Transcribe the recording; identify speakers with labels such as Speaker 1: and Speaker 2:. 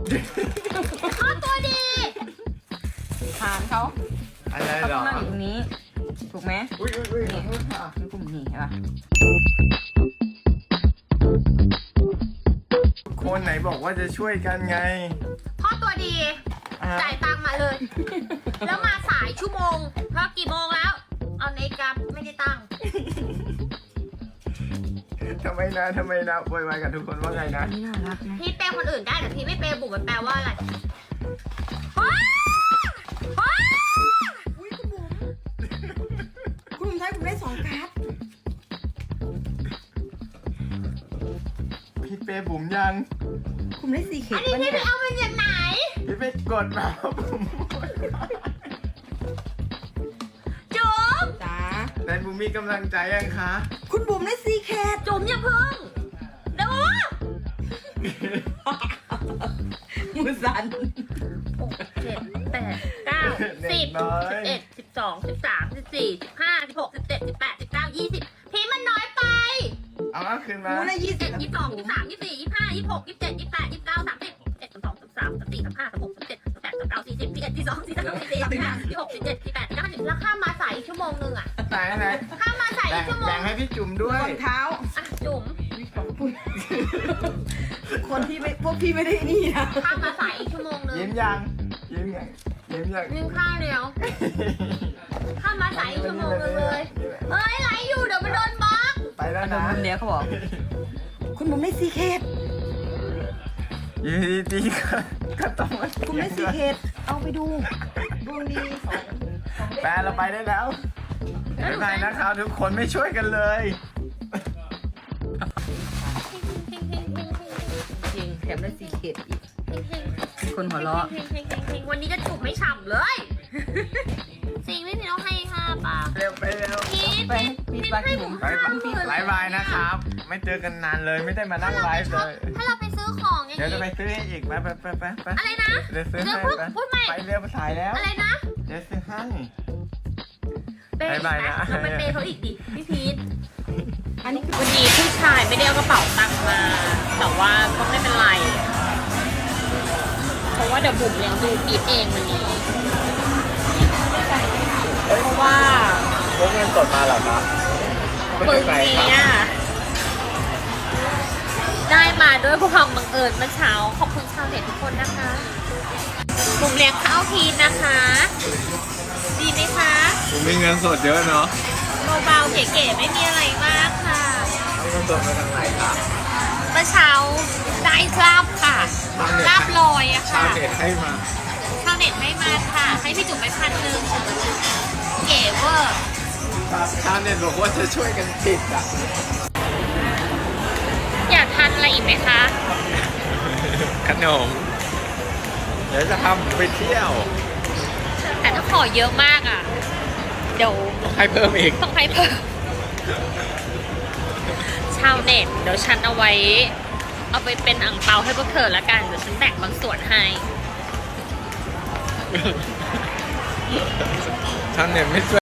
Speaker 1: พ่อตัวดี
Speaker 2: ฐานเขา
Speaker 3: อะไร
Speaker 2: เขา
Speaker 3: หร
Speaker 2: ต้อ
Speaker 3: อง
Speaker 2: นั่งอยู่ตรงนี้ ถูกไหม
Speaker 3: อุ้ยขอโทษค่ะ
Speaker 2: นี่กลุ่มนี้ใช่ปะ
Speaker 3: คนไหนบอกว่าจะช่วยกันไง
Speaker 1: พ่อตัวดี
Speaker 3: อ่ะ
Speaker 1: จ่ายตังค์มาเลย แล้วมาสายชั่วโมงเพราะกี่โมงแล้ว เอานาฬิกาไม่ได้ตั้ง
Speaker 3: ทำไมนะโวยวายกับทุกคนว่าไงนะ
Speaker 2: นี่น่ารักนะ
Speaker 1: พี่เปย์คนอื่นได้แต่พี่ไม่เปย์บุ๋มมันแปลว่าอะไรว้าว้า
Speaker 2: อุ้ยคุณบุ๋มใช้ผมได้2 การ์ด
Speaker 3: พี่เป้บุ๋มยัง
Speaker 2: คุณได้4 เข็
Speaker 1: อั
Speaker 2: ม
Speaker 1: นนี้
Speaker 2: ปะ
Speaker 1: พี่
Speaker 2: เนี่ย
Speaker 1: ไปเอามาจากไหน
Speaker 3: พี่เป้กดมาบุ๋ม
Speaker 1: จุ๋ม
Speaker 2: จ้า
Speaker 3: แต่บุ๋มมีกำลังใจยังคะ
Speaker 2: คุณบุ๋มได้4 เข็ม
Speaker 1: จุ๋มอย่าพึ่งเดี๋ยว
Speaker 2: มือสั่น
Speaker 1: 6 7 8 9 10 11 12 13 14 15 16 17 18 19 20พี่มันน้อยไป
Speaker 3: เอาคืนมา
Speaker 2: มูได้
Speaker 1: 21
Speaker 2: 20
Speaker 1: 22 23 24 25 26 27 28 29 30 31 32 33 34 35 36 37 38 39 40 41 42 43 44 45 46 47 48 49 แล้วข้ามมาสายอีกชั่วโมงนึงอ่ะ
Speaker 3: ไหน
Speaker 1: ข้ามมาสายอีกชั่วโม
Speaker 3: แบ่
Speaker 1: ง
Speaker 3: งให้พี่จุ๋มด้วย
Speaker 2: รองเท้า
Speaker 1: อ่ะจุ๋ม
Speaker 2: คนที่ไม่พวกพี่ไม่ได้นี่นะ
Speaker 1: ข้ามมาสายอีกชั่วโมงนึง
Speaker 3: ยิ้มยังยิ้มยังยิ้มยัง
Speaker 1: นึ่งข้าวเดียวข้ามมาสายอีกชั่วโมงนึงเลยเฮ้ยไลฟ์อยู่เดี๋ยวมันโดนบล็อก
Speaker 3: ไปแล้ว
Speaker 2: โดน
Speaker 3: นะ
Speaker 2: มุมเนี้ยเขาบอก คุณบุ๋มได้4 เข็ม
Speaker 3: อยู่ดีๆก็ต้องมา
Speaker 2: คุณได้4 เข็มเอาไปดูดวงดี2
Speaker 3: แปลเราไปได้แล้วไม่ไปนะครับทุกคนไม่ช่วยกันเลย
Speaker 2: จริงแถมได้4 เข็มอีก มีคนหัวเราะ
Speaker 1: วันนี้จะจูบไม่ฉ่ำเลยจริงไม่มีต้องให้5ปาก
Speaker 3: เร็วไปเร็ว
Speaker 1: พีท
Speaker 2: ไปพีทไปพี่บุ๋ม
Speaker 3: บายบายนะครับ ไม่เจอกันนานเลยไม่ได้มานั่งไลฟ์เลย
Speaker 1: ถ้าเราไปซื้อของอย่าง
Speaker 3: เดี๋ยวจะไป
Speaker 1: นี้
Speaker 3: ซื้อให้อีกไป
Speaker 1: อะไรนะ
Speaker 3: เดี๋ยวซื้อ
Speaker 1: เดี๋ยว
Speaker 3: ให้
Speaker 1: พูดใหม่
Speaker 3: ไปเร็วสายแล้ว
Speaker 1: อะไรนะ
Speaker 3: เดี๋ยวซื้อให้
Speaker 1: เปย์อีก
Speaker 3: บ๊ายบาย
Speaker 1: ไหม
Speaker 3: นะ
Speaker 1: เราไปเปย์เขาอีกดิพี่พีท
Speaker 2: อันนี้คือ
Speaker 1: วันนี้ผู้ชายไม่ได้เอากระเป๋าตังค์มา แต่ว่าก็ไม่เป็นไร เพราะว่าเดี๋ยวบุ๋มเลี้ยงดูพีทเองวันนี้ เพราะว่า
Speaker 3: พกเงินสดมาเหรอครับ
Speaker 1: ปึงนี้อะได้มาด้วยความบังเอิญเมื่อเช้า ขอบคุณชาวเน็ตทุกคนนะคะบุ๋มเลี้ยงข้าวพีทนะคะ ดีไหมคะ
Speaker 3: ผมมีเงินสดเยอะเนาะ
Speaker 1: เบาๆเก๋ๆไม่มีอะไรมากค่ะ
Speaker 3: เอาเงินสดมาทางไหนครับ
Speaker 1: เมื่อเช้าได้ลาบค่ะลาบลอยอะ
Speaker 3: ชา
Speaker 1: ค่ะ
Speaker 3: วเน็ตให้มา
Speaker 1: ชาวเน็ตให้มาค่ะ ให้พี่จุ๋มไป1,000เก๋เวอร์
Speaker 3: ชาวเน็ตบอกว่าจะช่วยกันติดอ่ะ
Speaker 1: อยากทานอะไรอีกไหมคะ
Speaker 3: ขนม เดี๋ยวจะทำไปเที่ยว
Speaker 1: แต่ถ้าขอเยอะมากอ่ะ เดี๋ยว
Speaker 3: ให้เพิ่มอีก
Speaker 1: ต้องให้เพิ่มชาวเน็ตเดี๋ยวฉันเอาไว้ เอาไปเป็นอั่งเปาให้พวกเธอละกัน เดี๋ยวฉันแบ่งบางส่วนให้
Speaker 3: ชาวเน็ตไม่ช่วย